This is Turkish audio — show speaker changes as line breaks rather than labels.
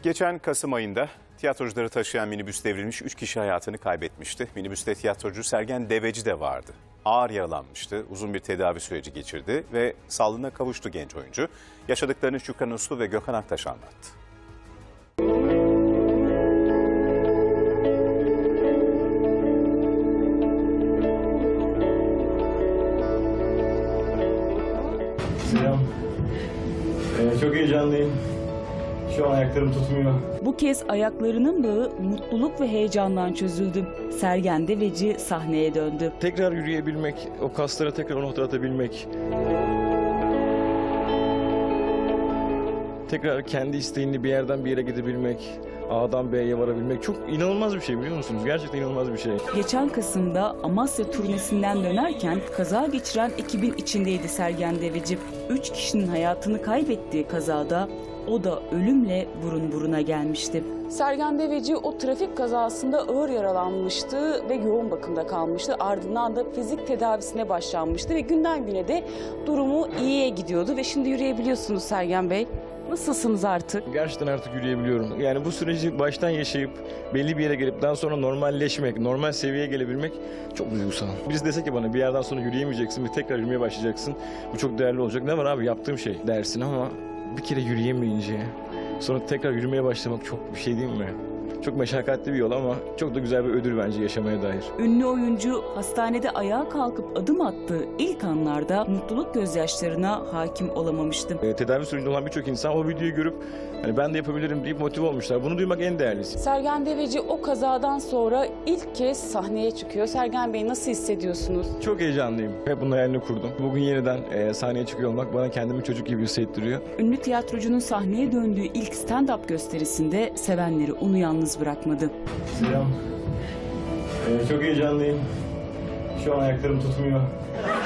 Geçen Kasım ayında tiyatrocuları taşıyan minibüs devrilmiş, 3 kişi hayatını kaybetmişti. Minibüste tiyatrocu Sergen Deveci de vardı. Ağır yaralanmıştı, uzun bir tedavi süreci geçirdi ve sağlığına kavuştu genç oyuncu. Yaşadıklarını Şükran Uslu ve Gökhan Aktaş anlattı.
Selam. Çok heyecanlıyım. Şu an ayaklarım tutmuyor.
Bu kez ayaklarının bağı mutluluk ve heyecandan çözüldü. Sergen Deveci sahneye döndü.
Tekrar yürüyebilmek, o kaslara tekrar o noktaya atabilmek. Tekrar kendi isteğinle bir yerden bir yere gidebilmek, A'dan B'ye varabilmek çok inanılmaz bir şey, biliyor musunuz? Gerçekten inanılmaz bir şey.
Geçen Kasım'da Amasya turnesinden dönerken kaza geçiren ekibin içindeydi Sergen Deveci. 3 kişinin hayatını kaybettiği kazada o da ölümle burun buruna gelmişti.
Sergen Deveci o trafik kazasında ağır yaralanmıştı ve yoğun bakımda kalmıştı. Ardından da fizik tedavisine başlanmıştı ve günden güne de durumu iyiye gidiyordu ve şimdi yürüyebiliyorsunuz Sergen Bey. Nasılsınız artık?
Gerçekten artık yürüyebiliyorum. Yani bu süreci baştan yaşayıp belli bir yere gelip daha sonra normalleşmek, normal seviyeye gelebilmek çok duygusal. Birisi dese ki bana bir yerden sonra yürüyemeyeceksin ve tekrar yürümeye başlayacaksın. Bu çok değerli olacak. Ne var abi, yaptığım şey dersin ama bir kere yürüyemeyince sonra tekrar yürümeye başlamak çok bir şey değil mi? Çok meşakkatli bir yol ama çok da güzel bir ödül bence yaşamaya dair.
Ünlü oyuncu hastanede ayağa kalkıp adım attığı ilk anlarda mutluluk gözyaşlarına hakim olamamıştı.
Tedavi sürecinde olan birçok insan o videoyu görüp hani ben de yapabilirim deyip motive olmuşlar. Bunu duymak en değerlisi.
Sergen Deveci o kazadan sonra ilk kez sahneye çıkıyor. Sergen Bey, nasıl hissediyorsunuz?
Çok heyecanlıyım. Hep bunun hayalini kurdum. Bugün yeniden sahneye çıkıyor olmak bana kendimi çocuk gibi hissettiriyor.
Ünlü tiyatrocunun sahneye döndüğü ilk stand-up gösterisinde sevenleri onu yalnız bırakmadı.
Selam. Çok heyecanlıyım. Şu an ayaklarım tutmuyor.